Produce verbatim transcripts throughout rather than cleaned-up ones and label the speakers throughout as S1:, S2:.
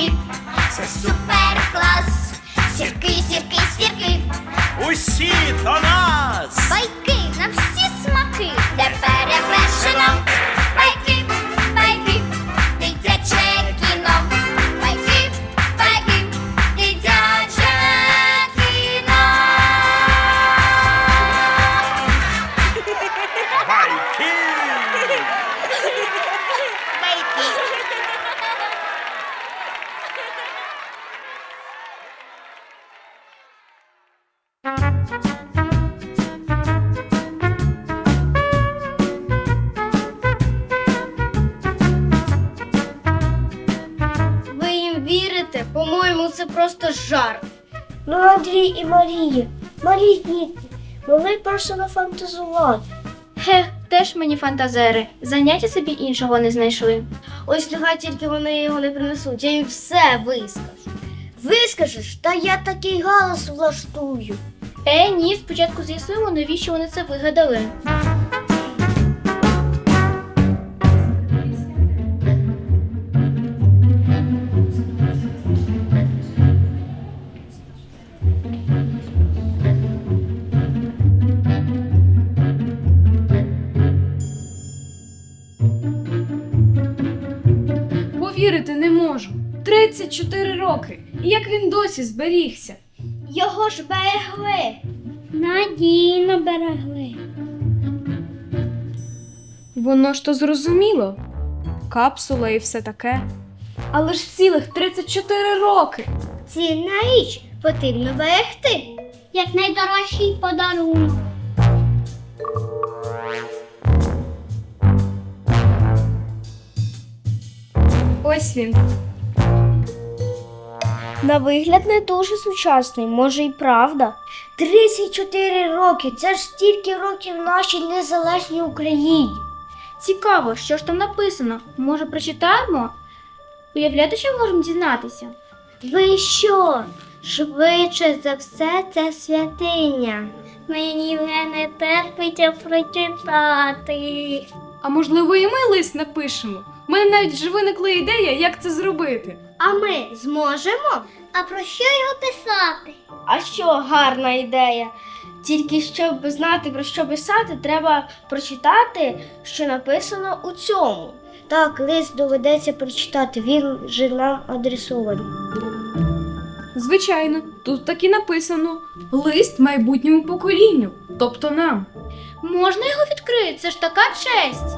S1: сірки, це супер клас. Сірки, сірки, сірки,
S2: Усі до нас!
S1: байки на всі смаки, де перевершено. Байки, байки, дитяче кіно. Байки, байки, дитяче кіно.
S2: Байки!
S3: Ви їм вірите? По-моєму, це просто жарт.
S4: Ну, Андрій і Марія, малі діти, могли просто нафантазувати.
S3: Хех, теж мені фантазери. Заняття собі іншого не знайшли. Ось нехай тільки вони його не принесуть, я їм все вискажу.
S4: Вискажеш, та я такий галас влаштую.
S3: Е, ні, спочатку з'ясуємо, навіщо вони це вигадали.
S5: Повірити не можу. тридцять чотири роки. І як він досі зберігся?
S3: Його ж берегли.
S4: Надійно берегли.
S5: Воно ж то зрозуміло. Капсула і все таке. Але ж цілих тридцять чотири роки.
S3: Цінна річ потрібно берегти.
S4: Як найдорожчий подарунок.
S5: Ось він.
S4: На вигляд не дуже сучасний, може і правда. тридцять чотири роки, це ж стільки років нашій незалежній Україні.
S3: Цікаво, що ж там написано. Може, прочитаємо? Уявляєте, що можемо дізнатися?
S4: Ви що? Швидше за все, це святиня. Мені вже не терпиться прочитати.
S5: А можливо, і ми лист напишемо? У мене навіть вже виникла ідея, як це зробити.
S3: А ми зможемо?
S4: А про що його писати?
S3: А що, гарна ідея. Тільки щоб знати, про що писати, треба прочитати, що написано у цьому.
S4: Так, лист доведеться прочитати, він же нам адресований.
S5: Звичайно, тут так і написано. Лист майбутньому поколінню, тобто нам.
S3: Можна його відкрити? Це ж така честь.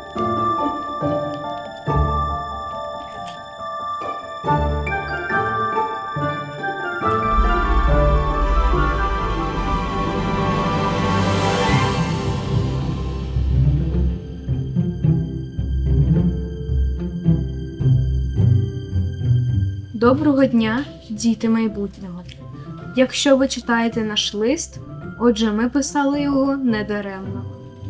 S5: Доброго дня, діти майбутнього. Якщо ви читаєте наш лист, отже, ми писали його недаремно.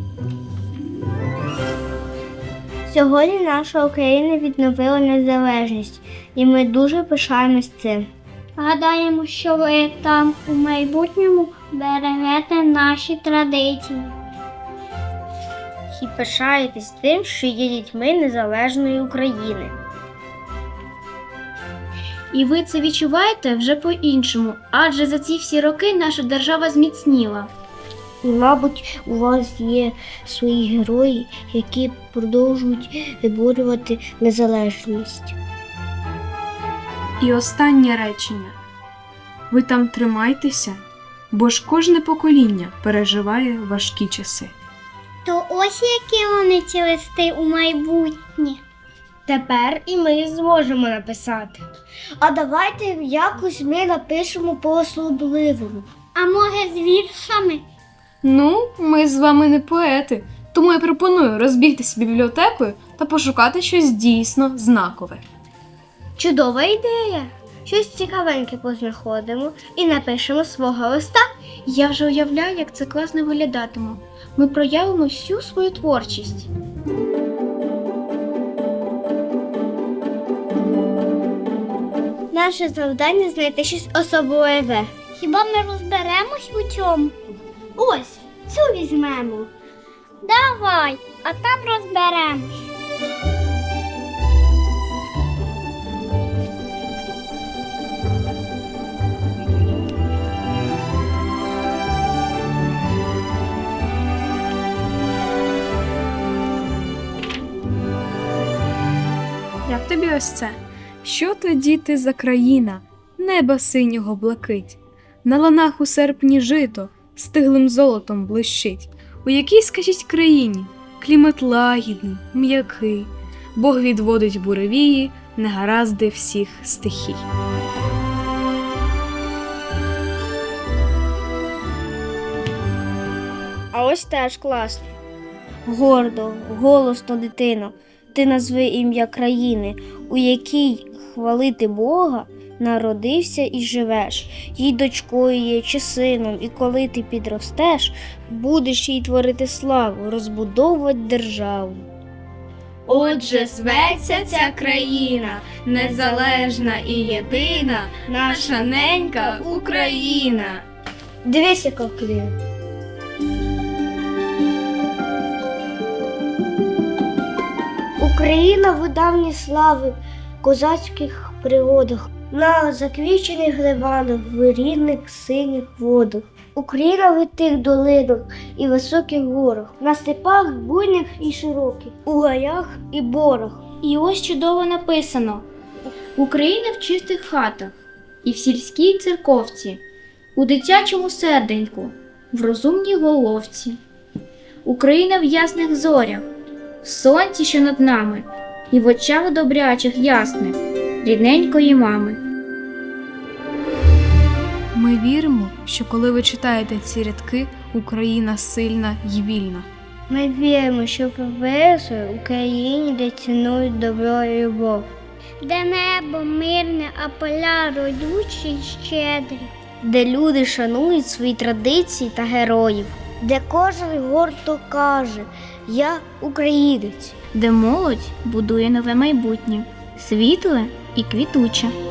S4: Сьогодні наша Україна відновила незалежність, і ми дуже пишаємось цим. Гадаємо, що ви там у майбутньому берегете наші традиції.
S3: І пишаєтесь тим, що є дітьми незалежної України. І ви це відчуваєте вже по-іншому, адже за ці всі роки наша держава зміцніла.
S4: І, мабуть, у вас є свої герої, які продовжують виборювати незалежність.
S5: І останнє речення. Ви там тримайтеся, бо ж кожне покоління переживає важкі часи.
S4: То ось які вони ці листи у майбутнє.
S3: Тепер і ми зможемо написати.
S4: А давайте якось ми напишемо по-особливому. А може з віршами?
S5: Ну, ми з вами не поети, тому я пропоную розбігтися бібліотекою та пошукати щось дійсно знакове.
S3: Чудова ідея! Щось цікавеньке познаходимо і напишемо свого листа. Я вже уявляю, як це класно виглядатиме. Ми проявимо всю свою творчість.
S4: Наше завдання знайти щось особливе. Хіба ми розберемось у цьому? Ось, цю візьмемо. Давай, а там розберемось.
S5: Як тобі ось це? Що то, діти, за країна, неба синього блакить, на ланах у серпні жито, стиглим золотом блищить. У якій, скажіть, країні клімат лагідний, м'який, Бог відводить буревії, негаразди всіх стихій.
S4: А ось теж класно. Гордо, голосно, дитино, ти назви ім'я країни, у якій хвалити Бога народився і живеш, їй дочкою є чи сином, і коли ти підростеш, будеш їй творити славу, розбудовувати державу.
S3: Отже, зветься ця країна, незалежна і єдина, наша ненька Україна.
S4: Дивись, яка вкліє. Україна в давні слави, козацьких пригодах, на заквічених ливанах, в рідних синіх водах. Україна в тих долинах і високих горах, на степах буйних і широких, у гаях і борах.
S3: І ось чудово написано: Україна в чистих хатах і в сільській церковці, у дитячому серденьку, в розумній головці. Україна в ясних зорях, в сонці, що над нами, і в очах добрячих ясних, рідненької мами.
S5: Ми віримо, що коли ви читаєте ці рядки, Україна сильна й вільна.
S4: Ми віримо, що виросли в Україні, де цінують добро і любов. Де небо мирне, а поля родючі й щедрі. Де люди шанують свої традиції та героїв. Де кожен гордо каже: я українець.
S3: Де молодь будує нове майбутнє, світле і квітуче.